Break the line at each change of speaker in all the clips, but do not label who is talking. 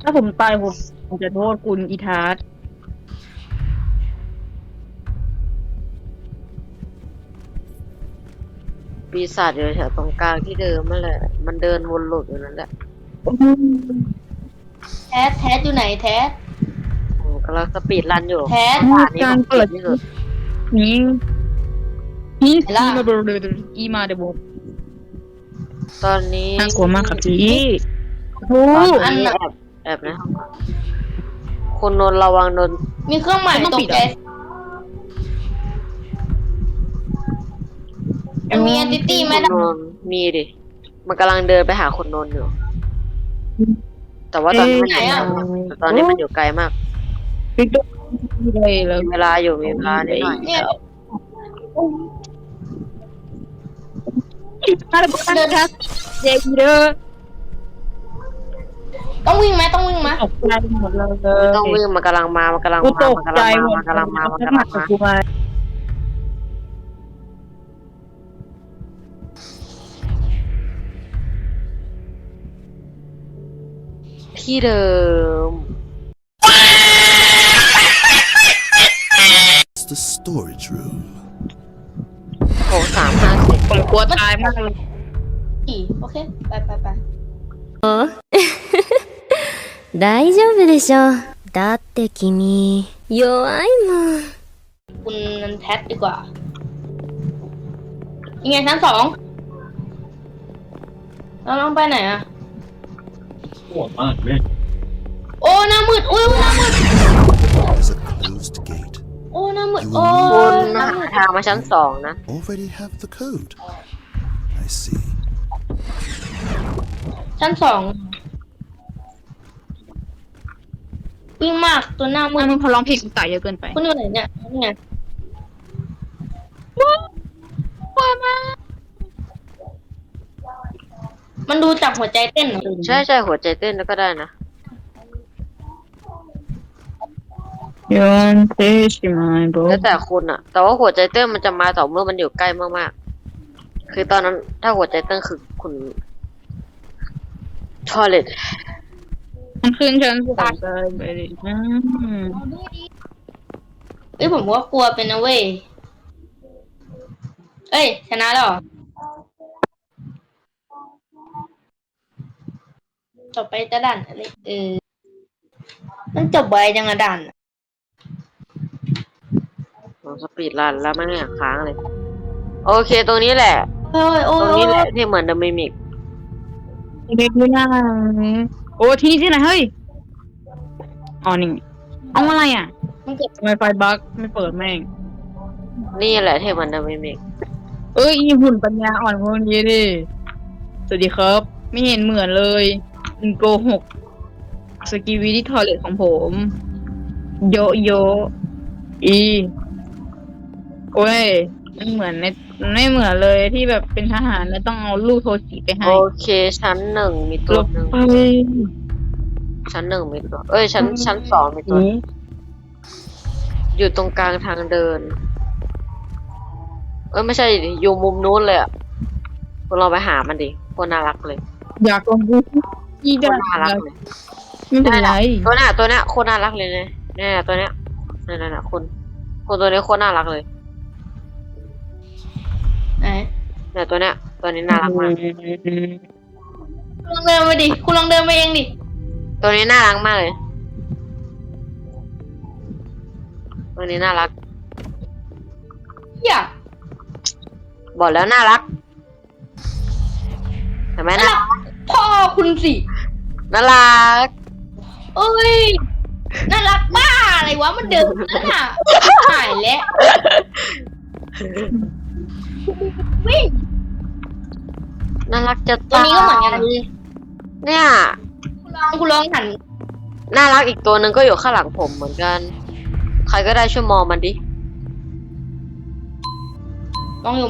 ถ้าผมตายผมจะโทษคุณอีทาร์
ปีศาจอยู่แถวตรงกลางที่เดิมนั่นแหละมันเดินวนหลุดอยู่นั่นแหละ
แท้อยู่ไหนแท้
ผมกำลังสปีดรันอยู่
แท้
ด่านนี้
กา
ผ
ร
มเกลี
เปิ
ย
ด
ดที่สุด
นี้นี่
เห็นล่ะ
อีมาเดบก
ตอนนี้
น่ากลัวมากครับพี่โอ้
ตอนนี้แอบนะคุณนนท์ระวังนนท์
มีเครื่องหมายตกใจมันมี entity ไหม
คุณนนท์มีดิมันกำลังเดินไปหาคุณนนท์อยู่ แต่ว่าตอนนี้มันอยู่ไกลมากแต่ตอนนี้มันอยู่ไกลมาก
ปิ๊กตุ๊กเลยแล้ว
มีเวลาอยู่มีเวลานิดหน่อย
เนี่ย
ถ้าเดินครับเด็กเด้อ
ต้องวิ่งไหมต้องวิ่งไหม
ตกใจหมดเลย
ไม่ต้องวิ่งมันกำลังมามันกำลัง
กู
มา
ตก
มัน
ใจ
กำลัง
หม
มา
ด
มันกำลังมามันกำลังมา
กูมา
ที่เดิม
It's the storage room.
โถ350
ผมกลัวตายมากเลย
โอเคไป
大丈夫でしょ。だって君、弱いもん。
คุณนันแท็ดีกว่ายังไงชั้น2เราต้องไปไหนอะโอ้หน้ามืดอุ้ยหน้ามืด
There's a closed gate.
โอ้หน้ามืดโอ้
คุณ
หน้า
หา
มืด
ทางมาชั้น2นะ
Already have the code. I see.
ชั้น2วิ่งมากตัวหน้ามื
มั
ด
นพอร้องเพลงกูตายเยอะเกินไป
คุณอยู่ไหนเนี่ยนี่ไงมันดูจากหัวใจเต้นเหรอ
ใช่ใช่หัวใจเต้นแล้วก็ได้นะ
ยอนเตชิมายโบ
แล้วแต่คุณอะแต่ว่าหัวใจเต้นมันจะมาต่อเมื่อมันอยู่ใกล้มากๆคือตอนนั้นถ้าหัวใจเต้นคือคุณทอเลต
มันขึ้นชั้นสามเลยไปดิ
เอ้ยผมว่ากลัวเป็นนะเว้ยเอ้ยชนะแล้วเหรอต่อไปจะด่านอะไรมันจบใบจังอะด่านอะ
สปีดรันแล้วไม่งอยากค้างเลย โอเคตรงนี้แหละ
เฮ้ยโอ้
ตรง
ย
นี้แหละที่เหมือนเดอะมิมิก
เด็กไม่น่าโอ้ที่นี่ที่ไหนเฮ้ยอ๋อนี่เอาอะไรอ่ะ
มันเก็บ
ทำไมไฟบั๊กไม่เปิดแม่ง
นี่แหละที่เหมือนเดอะมิมิก
เอ้ยอีหุ่นปัญญาอ่อนพวกนี้ดิสวัสดีครับ ไม่เห็นเหมือนเลยมึงโกหกสกีวีที่ทอเลตของผม โยโยอีโอ้ยไม่เหมือนไม่เหมือนเลยที่แบบเป็นทหารแล้วต้องเอาลูกโทจิไปให้
โอเคชั้น1มีตั
ล
ว
บ
หนึ่ง
ไป
ชั้น1มีตัวชั้น2มีตัว
นี้
อยู่ตรงกลางทางเดิน ไม่ใช่ดิอยู่มุมนู้นเลยอ่ะคุณลองไปหามันดิโคตรน่ารักเลย
อยากลองดูที่
โค
ได้
ตรน่ารักเลย
ไม่เป็นไร
ตัวเนี้ยโคตรน่ารักเลยเนี่ยตัวเนี้ยนั่นคุณตัวนี้โคตรน่ารักเลย
ไหน
เนี่ยตัวนี้น่ารักมาก
คุณลองเดินไปดิคุณลองเดินไปเองดิ
ตัวนี้น่ารักมากเลย ตัวนี้น่ารัก
อย่า
บอกแล้วน่ารักเห็นไหมน่ารัก
พ่อคุณสิ
น่ารัก
เอ้ยน่ารักบ้าอะไรวะมันเดินนั่นน่ะหายแล้ววิ่ง
น่ารักจะ
ตัวนี้ก็เหมือนกัน
เนี่ย
คุณลองหัน
น่ารักอีกตัวหนึ่งก็อยู่ข้างหลังผมเหมือนกัน ใครก็ได้ช่วยมองมันดิ
มองอยู่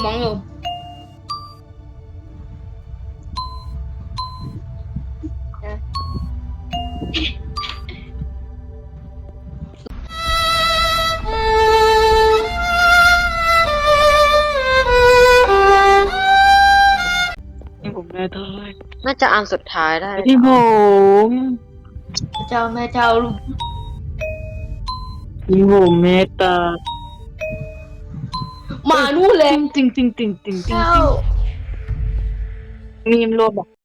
นี่ผมแน่ทาย
น่าจะอันสุดท้ายได้
ที่ผม
พระเจ้าแม่เจ้าลูก
อีโหเมตา
มานู่นเลย
จริงจริงจริงจริงจริง
เจ้า
มีมโลบอก